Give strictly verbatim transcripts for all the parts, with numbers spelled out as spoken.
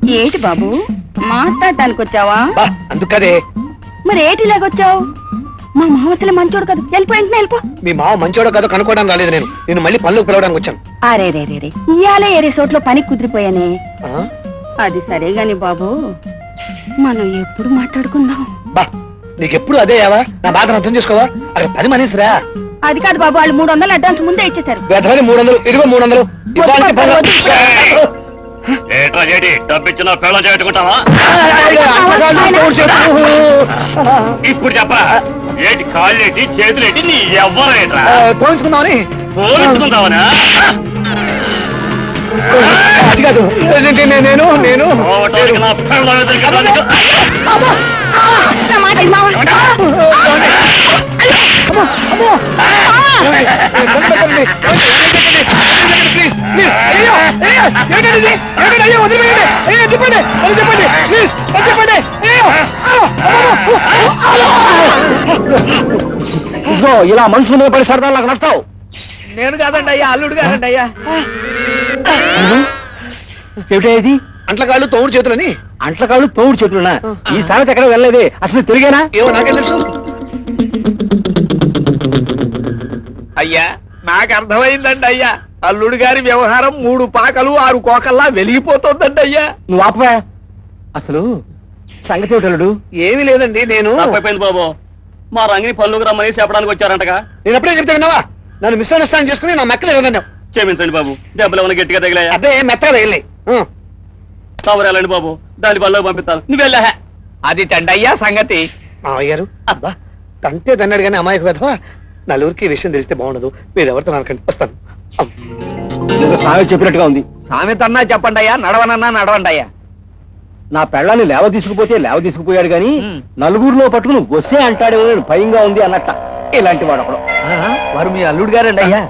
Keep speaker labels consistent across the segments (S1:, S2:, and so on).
S1: ఏంటి బాబు మాట్లాడటానికి వచ్చావా?
S2: అందుకదే.
S1: మరి ఏటిలాగొచ్చావు? మా మామ అసలు మంచోడు కదా, వెళ్ళిపోయింది వెళ్ళిపో.
S2: మీ మామ మంచోడో కాదో కనుక్కోవడానికి రాలేదు నేను. నేను మళ్ళీ పనులకు పిలవడానికి వచ్చాను.
S1: అరే రే రే రే ఇయాలే ఏ రిసార్ట్లో పని కుదిరిపోయానే. అది సరే గాని బాబు, మనం ఎప్పుడు మాట్లాడుకుందాం?
S2: బా నీకెప్పుడు అదే యావా? నా బాధను అర్థం చేసుకోవా? అక్కడ పని మనిషిరా.
S1: అది కాదు బాబు, వాళ్ళు మూడు వందలు అడ్వాన్స్ ముందే ఇచ్చేశారు.
S2: వేధవని మూడు వందలు ఇదిగో మూడు వందలు
S3: డబ్బిచ్చిన పెళ్ళ చేట్టుకుంటావా? ఇప్పుడు చెప్పరా, ఏంటి కాళ్ళేటి చేతులేటి నీ ఎవ్వరేట్రా?
S2: పోయించుకుందామని.
S3: పోయించుకుందామనా?
S2: అది కాదు, నేను నేను నేను
S3: నా పెళ్ళ
S2: ఇలా మనుషుల మీద పడి సరదా నాకు నడతావు. నేను కాదండి అయ్యా, అల్లుడు కాదండి అయ్యా. ఏమిటి అంట్లకాళ్ళు తోడు చేతులని? అంట్లకాళ్ళు తోడు చేతులనా? ఈ సామెత ఎక్కడ వెళ్ళలేదే, అసలు తిరిగేనా? ఏమో నాకేం తెలుసు. అయ్యా నాకు అర్థమైందండి అయ్యా, అల్లుడు గారి వ్యవహారం మూడు పాకలు ఆరు కోకల్లా వెలిగిపోతుందండి అయ్యా. నువ్వు ఆపవా, అసలు సంగతి ఏమిటల్లుడు? ఏమీ లేదండి, నేను
S3: అయిపోయింది బాబు. మా రంగిని పళ్ళుకు రమ్మని చెప్పడానికి వచ్చారంటగా.
S2: నేను ఎప్పుడే చెప్తే విన్నావా? నన్ను మిస్అండర్స్టాండ్ చేసుకుని నా మెక్కలు ఏమన్నా.
S3: క్షమించండి బాబు, దెబ్బలు ఏమైనా గట్టిగా తగిలాయా?
S2: అదే మెత్తగా తగిలి
S3: కవరాలండి బాబు, దాని పళ్ళకు పంపిస్తాను. నువ్వు వెళ్ళా.
S2: అది తండయ్యా సంగతి. మావయ్యారు అబ్బా తంతే తన్నాడు కానీ అమ్మాయికి వెధవా. నలుగురికి ఈ విషయం తెలిస్తే బాగుండదు. మీరు ఎవరితో నరకండి, వస్తాను. సామె చెప్పినట్టుగా ఉంది. సామెత అన్నా చెప్పండి అయ్యా, నడవనన్నా నడవండి అయ్యా. నా పెళ్ళాన్ని లేవ తీసుకుపోతే లేవ తీసుకుపోయాడు గాని నలుగురిలో పట్టుకుని వస్తే అంటాడేమో నేను భయంగా ఉంది అన్నట్ట. ఇలాంటి వాడు అప్పుడు. వారు మీ అల్లుడు గారండి అయ్యా.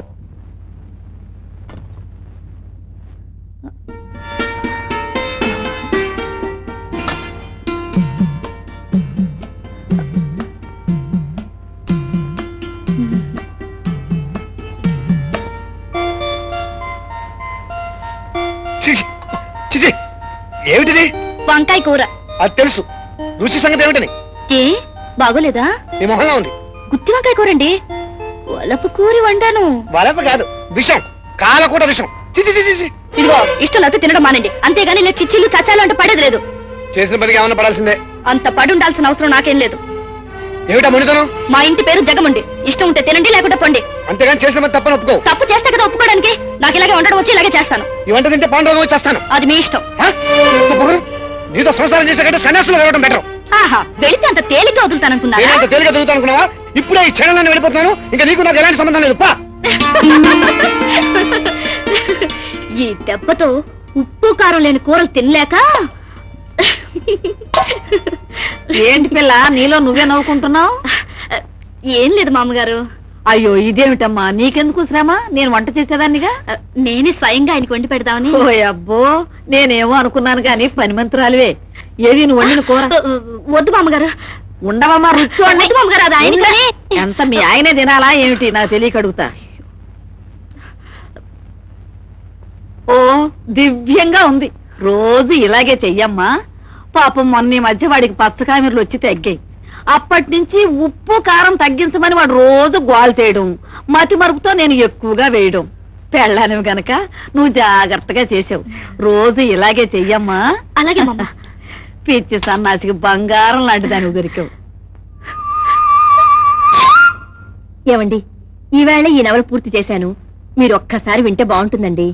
S2: ఏమిటిది?
S1: వంకాయ కూర.
S2: అది తెలుసు, రుచి సంగతి ఏమిటని?
S1: ఏ బాగోలేదా?
S2: నీ మొహంగా ఉంది.
S1: గుత్తి వంకాయ కూరండి, వలపు కూరి వండాను.
S2: వలప కాదు, విషం, కాలకూట విషం. చిచి చిచి చిచి.
S1: ఇదిగో ఇష్టం లేకపోతే తినడం మానండి, అంతేగాని ఇలా చిచ్చిలు చచ్చాలు అంటే పడేది లేదు.
S2: చేసిన పనికి ఏమన్నా పడాల్సిందే.
S1: అంత పడి ఉండాల్సిన అవసరం నాకేం లేదు.
S2: ఏమిటా మునితనం?
S1: మా ఇంటి పేరు జగముండి, ఇష్టం ఉంటే తినండి లేకుంటే పండి.
S2: అంతేగాని చేసిన పని తప్పని ఒప్పుకో.
S1: తప్పు చేస్తే కదా ఒప్పుకోవడానికి. నాకు ఇలాగే ఉండడం వచ్చి ఇలాగే చేస్తాను.
S2: ఈ వంట తింటే పాండవం వచ్చేస్తాను.
S1: అది మీ ఇష్టం.
S2: నీతో సంసారం చేసే కంటే సన్యాసులు వెళ్ళడం బెటర్.
S1: ఆహా, వెళితే అంత తేలిగ్గా వదులుతాననుకున్నా?
S2: తేలిగ్గా వదులుతాను అనుకున్నావా? ఇప్పుడే ఈ క్షణంలో వెళ్ళిపోతున్నాను. ఇంకా నీకు నాకు ఎలాంటి సంబంధం లేదు. పా.
S1: ఈ దెబ్బతో ఉప్పు కారం లేని కూరలు తినలేక. ఏంటి పిల్ల, నీలో నువ్వే నవ్వుకుంటున్నావు? ఏం లేదు మామగారు. అయ్యో ఇదేమిటమ్మా, నీకెందుకు శ్రమ? నేను వంట చేసేదాన్నిగా. నేనే స్వయంగా ఆయనకి వండి పెడదామని. ఓ అబ్బో, నేనేమో అనుకున్నాను గాని పని మంత్రాలువే. ఏది నువ్వు వండిన కూర? వద్దు మామగారు. ఉండవమ్మా, రుచి మామగారు. అది ఆయన ఎంత మీ ఆయనే తినాలా ఏమిటి? నాకు తెలియక అడుగుతా. ఓ దివ్యంగా ఉంది, రోజు ఇలాగే చెయ్యమ్మా. పాపం మొన్న ఈ మధ్య వాడికి పచ్చకామెర్లు వచ్చి తగ్గాయి. అప్పటి నుంచి ఉప్పు కారం తగ్గించమని వాడు రోజు గోల్ చేయడం, మతి మరుపుతో నేను ఎక్కువగా వేయడం. పెళ్ళానివి గనక నువ్వు జాగ్రత్తగా చేసావు. రోజు ఇలాగే చెయ్యమ్మా. అలాగే పిచ్చి సన్నాసికి బంగారం లాంటి దాని దొరికావు. ఏమండి, ఈవేళ ఈ నవల పూర్తి చేశాను, మీరు ఒక్కసారి వింటే బాగుంటుందండి.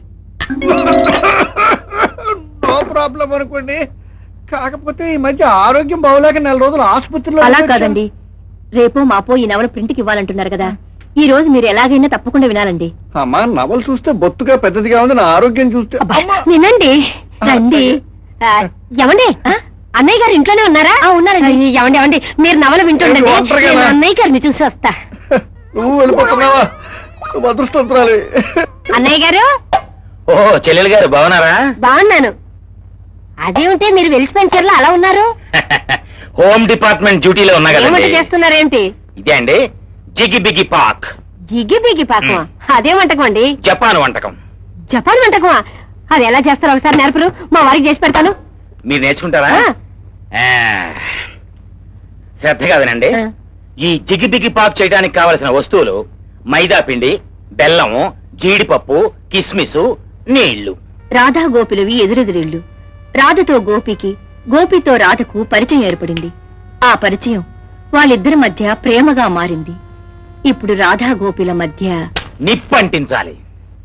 S2: నో ప్రాబ్లం అనుకోండి. కాకపోతే ఈ మధ్య ఆరోగ్యం బాగోలేక నెల రోజులు ఆసుపత్రిలో.
S1: అలా కాదండి, రేపో మాపో ఈ నవల ప్రింట్కి ఇవ్వాలంటున్నారు కదా, ఈ రోజు మీరు ఎలాగైనా తప్పకుండా వినాలండి.
S2: అమ్మా, నవలు చూస్తే బొత్తుగా పెద్దదిగా ఉంది, నా ఆరోగ్యం చూస్తే.
S1: వినండి, రండి. ఎవండి, అన్నయ్య గారు ఇంట్లోనే ఉన్నారా? ఉన్నారండి. ఎవండి ఎవండి, మీరు నవల వింటుండండి, అన్నయ్య గారిని చూసి వస్తా.
S2: నువ్వు వెళ్ళిపోతున్నావా? అదృష్టవంతురాలి.
S1: అన్నయ్య గారు.
S3: ఓ చెల్లెలు గారు బాగున్నారా?
S1: బాగున్నాను. అదేమిటి మీరు వెలిసిపోయిన చీరలో అలా ఉన్నారు?
S3: హోమ్ డిపార్ట్మెంట్ డ్యూటీలో ఉన్నా కదా.
S1: చేస్తున్నారేంటి?
S3: ఇదే అండి జిగి బిగి పాక్.
S1: జిగి బిగి పాకం? అదే వంటకం అండి?
S3: జపాన్ వంటకం.
S1: జపాన్ వంటకమా? అది ఎలా చేస్తారో ఒకసారి నేర్పరు, మా వారికి చేసి పెడతాను.
S4: మీరు నేర్చుకుంటారా? ఆ, శ్రద్ధగా వినండి. ఈ జిగిబిగి పాక్ చేయడానికి కావలసిన వస్తువులు మైదా పిండి, బెల్లము, జీడిపప్పు, కిస్మిసు, నీళ్లు.
S1: రాధా గోపిలవి ఎదురెదురిళ్ళు. రాధతో గోపికి, గోపితో రాధకు పరిచయం ఏర్పడింది. ఆ పరిచయం వాళ్ళిద్దరి మధ్య ప్రేమగా మారింది. ఇప్పుడు రాధా గోపిల మధ్య
S4: నిప్పంటించాలి.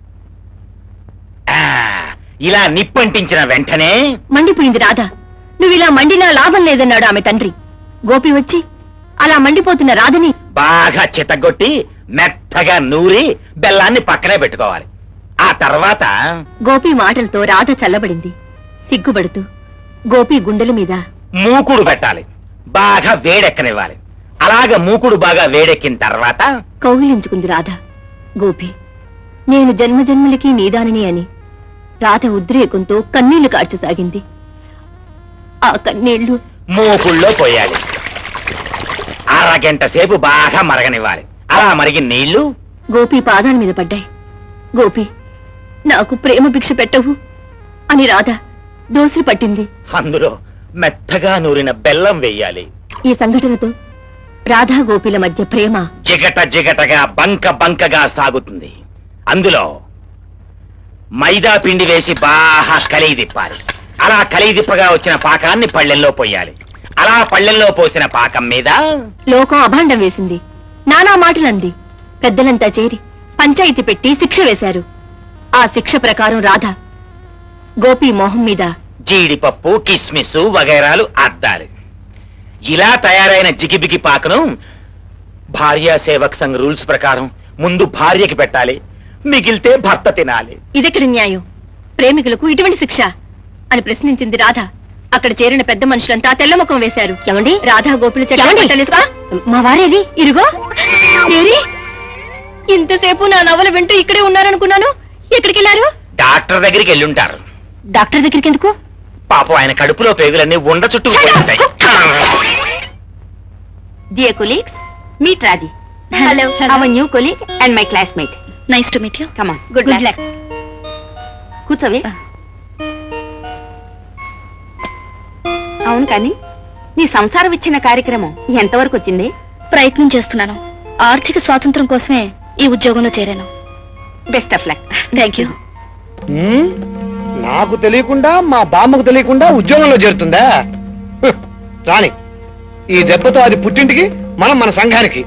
S4: ఆ, ఇలా నిప్పంటించిన వెంటనే
S1: మండిపోయింది రాధ. నువ్వు ఇలా మండినా లాభం లేదన్నాడు ఆమె తండ్రి. గోపి వచ్చి అలా మండిపోతున్న రాధని
S4: బాగా చితగొట్టి మెత్తగా నూరి బెల్లాన్ని పక్కనే పెట్టుకోవాలి. ఆ తర్వాత
S1: గోపి మాటలతో రాధ చల్లబడింది. సిగ్గుపడుతూ గోపి గుండెల మీద
S4: మూకుడు పెట్టాలి, బాగా వేడెక్కనివ్వాలి. అలాగ మూకుడు బాగా వేడెక్కిన తర్వాత
S1: కౌగిలించుకుంది రాధ. గోపి, నేను జన్మజన్మలకి నీదానిని అని రాధ ఉద్రేకంతో కన్నీళ్లు కార్చసాగింది. ఆ కన్నీళ్లు
S4: మూకుళ్ళో పోయాలి. అరగంట సేపు బాగా మరగనివ్వాలి. అలా మరిగిన నీళ్లు
S1: గోపి పాదాల మీద పడ్డాయి. గోపి, నాకు ప్రేమ భిక్ష పెట్టవు అని రాధ దోసిరి పట్టింది.
S4: అందులో మెత్తగా నూరిన బెల్లం వెయ్యాలి.
S1: ఈ సంఘటనతో రాధా గోపిల మధ్య ప్రేమ
S4: జిగట జిగటగా బంక బంకగా సాగుతుంది. అందులో మైదా పిండి వేసి బాగా కలిగి తిప్పాలి. అలా కలిగి తిప్పగా వచ్చిన పాకాన్ని పళ్ళెల్లో పోయాలి. అలా పళ్ళెల్లో పోసిన పాకం మీద
S1: లోకం అభాండం వేసింది. నానా మాటలంది. పెద్దలంతా చేరి పంచాయితీ పెట్టి శిక్ష వేశారు. ఆ శిక్ష ప్రకారం రాధ గోపి మొహం మీద
S4: జీడిపప్పు, కిస్మిస్ వగైరాలు అద్దాలి. ఇలా తయారైన జిగిబిగి పాకను భార్యా సేవక్ సంఘ్ రూల్స్ ప్రకారం ముందు భార్యకి పెట్టాలి, మిగిలితే భర్త తినాలి.
S1: ఇదెక్కడి న్యాయం? ప్రేమికులకు ఇటువంటి శిక్ష అని ప్రశ్నించింది రాధ. అక్కడ చేరిన పెద్ద మనుషులంతా తెల్లముఖం వేశారు. ఏమండి, రాధా గోపుల చెట్టు మా వారేది ఇరుగో ఏరి. ఇంతసేపు నా నవల వింటూ ఇక్కడే ఉన్నారనుకున్నాను. ఎక్కడికి వెళ్ళారు?
S4: డాక్టర్ దగ్గరికి వెళ్ళుంటారు.
S1: డాక్టర్ దగ్గరికి ఎందుకు?
S4: పాపం ఆయన కడుపులో పేగులన్నీ ఉండ చుట్టూ ఉంటాయి.
S1: Dear colleagues, meet Radhi. Hello. Our new colleague and my classmate. Nice to meet you. Come on. Good, Good luck. కూర్చోవే. అవును కానీ నీ సంసారం ఇచ్చిన కార్యక్రమం ఎంతవరకు వచ్చింది? ప్రయత్నం చేస్తున్నాను. ఆర్థిక స్వాతంత్రం కోసమే ఈ ఉద్యోగంలో చేరాను. Best of luck. Thank you.
S2: హ్మ్? నాకు తెలియకుండా మా బామ్మకు తెలియకుండా ఉద్యోగంలో చేరుతుందా? హ్, రాని ఈ దెబ్బతో అది పుట్టింటికి, మనం మన సంఘానికి.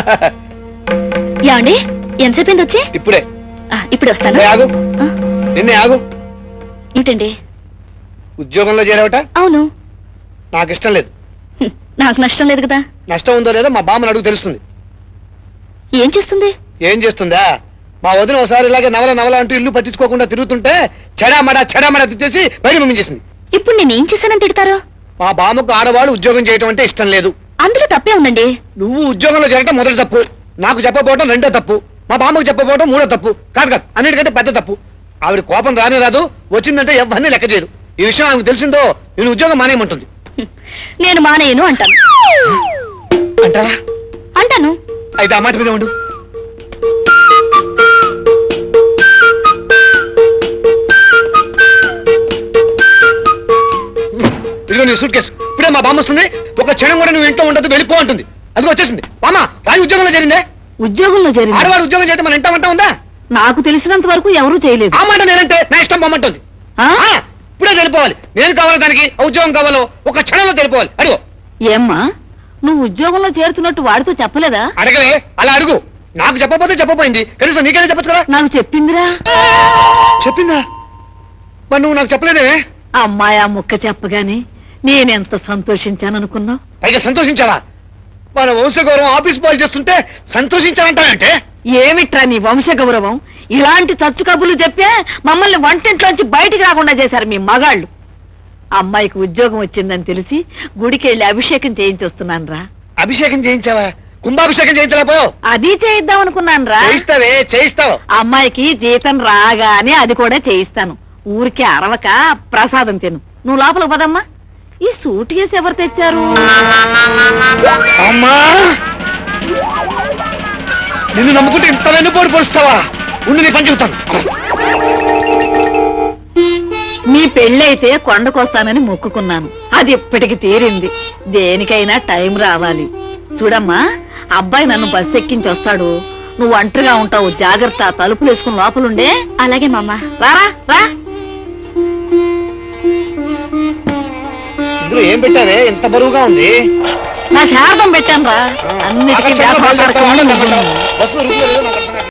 S1: యాండి ఎంతసేపు వచ్చి?
S2: ఇప్పుడే.
S1: ఇప్పుడు వస్తాను.
S2: ఏ, ఆగు. నిన్నే ఆగు.
S1: ఏంటండి?
S2: ఉద్యోగంలో చేరావట?
S1: అవును.
S2: నాకు ఇష్టం లేదు.
S1: హ్మ్, నాకు నష్టం లేదు కదా.
S2: నష్టం ఉందో లేదో మా బామ్మని అడుగు తెలుస్తుంది.
S1: ఏం చేస్తుంది?
S2: ఏం చేస్తుందా? మా వదిన ఒకసారి ఇలాగే నవల నవల అంటూ ఇల్లు పట్టించుకోకుండా తిరుగుతుంటే చెడామడా చెడామడా తిట్టేసి బయట పంపించేసింది.
S1: ఇప్పుడు నేను ఏం చేశానని తిడతారు?
S2: మా బామ్మకు ఆడవాళ్ళు ఉద్యోగం చేయటం అంటే ఇష్టం లేదు.
S1: అందులో తప్పే ఉందండి.
S2: నువ్వు ఉద్యోగంలో చేరటం మొదటి తప్పు, నాకు చెప్పబోవటం రెండో తప్పు, మా బామ్మకు చెప్పబోవటం మూడో తప్పు. కాదు కాదు, అన్నిటికంటే పెద్ద తప్పు. ఆవిడ కోపం రానే రాదు, వచ్చిందంటే ఎవరిని లెక్క చేయరు. ఈ విషయం ఆమెకు తెలిసిందో నేను ఉద్యోగం మానేయమంటుంది.
S1: నేను మానేయను అంటాను.
S2: అంటారా?
S1: అంటాను.
S2: అయితే ఆ మాట మీద ఉండు. ఇదిగో నీ సూట్ కేసు. ఇప్పుడే మా బామ్మ వస్తుంది. ఒక క్షణం కూడా నువ్వు ఇంట్లో ఉండదు, వెళ్ళిపో అంటుంది. అది వచ్చేసింది. బామ్మ, రాయి ఉద్యోగంలో చేరిందే.
S1: ఉద్యోగంలో చేరింది.
S2: ఆడవాడు ఉద్యోగం చేయడం మన ఇంట వంట ఉందా?
S1: నాకు తెలిసినంత వరకు ఎవరూ చేయలేదు.
S2: ఆ మాట నేనంటే నా ఇష్టం బొమ్మంటుంది.
S1: ఆ?
S2: ఇప్పుడే వెళ్ళిపోవాలి. నేను కావాలి దానికి, ఆ ఉద్యోగం కావాలో ఒక క్షణంలో వెళ్ళిపోవాలి. అడుగు.
S1: ఏమ్మా, నువ్వు ఉద్యోగంలో చేరుతున్నట్టు వాడితో చెప్పలేదా?
S2: అడగలే, అలా అడుగు. నాకు చెప్పకపోతే చెప్పపోయింది, కనీసం నీకైనా చెప్పచ్చు కదా.
S1: నాకు చెప్పిందిరా.
S2: చెప్పిందా? మరి నువ్వు నాకు చెప్పలేదే.
S1: అమ్మాయి ఆ ముక్క చెప్పగానే నేనెంత సంతోషించాననుకున్నావు?
S2: పైగా సంతోషించావా? మన వంశ గౌరవం ఆఫీస్ బాల్ చేస్తుంటే సంతోషించాలంటావంటే?
S1: ఏమిట్రా నీ వంశ గౌరవం? ఇలాంటి చచ్చు కబుర్లు చెప్పే మమ్మల్ని వంటింట్లోంచి బయటికి రాకుండా చేశారు మీ మగాళ్ళు. అమ్మాయికి ఉద్యోగం వచ్చిందని తెలిసి గుడికి వెళ్ళి అభిషేకం చేయించొస్తున్నాను రా.
S2: అభిషేకం చేయించావా? కుంభాభిషేకం చేయించలేకపోయావు?
S1: అది చేయిద్దాం అనుకున్నాను రా.
S2: చేయిస్తావే, చేయిస్తావు.
S1: అమ్మాయికి జీతం రాగానే అది కూడా చేయిస్తాను. ఊరికే అరవక ప్రసాదం తిను. నువ్వు లోపలికి పదమ్మా. ఈ సూట్ కేసు ఎవరు తెచ్చారు?
S2: అమ్మా, నిన్ను నమ్ముకుంటే ఇంత వెన్నుపోటు పొడుస్తావా? ఉండి నీ పని చెబుతాను.
S1: నీ పెళ్ళైతే కొండకొస్తానని మొక్కుకున్నాను, అది ఇప్పటికి తీరింది. దేనికైనా టైం రావాలి. చూడమ్మా, అబ్బాయి నన్ను బస్ ఎక్కించి వస్తాడు, నువ్వు ఒంటరిగా ఉంటావు, జాగ్రత్త. తలుపులు వేసుకుని లోపలుండే.
S5: అలాగే మామ.
S1: రారా రా.
S2: ఇందులో ఏం పెట్టారే ఇంత బరువుగా ఉంది?
S1: నా శారదం పెట్టాను రా, అన్నిటికీ
S2: ఆకాశంలో
S1: వ్యాపార
S2: బయలుదేరుతావా?
S1: కార్యక్రమాలు నువ్వు.
S2: బస్సులో రుచి లేదు నాకు.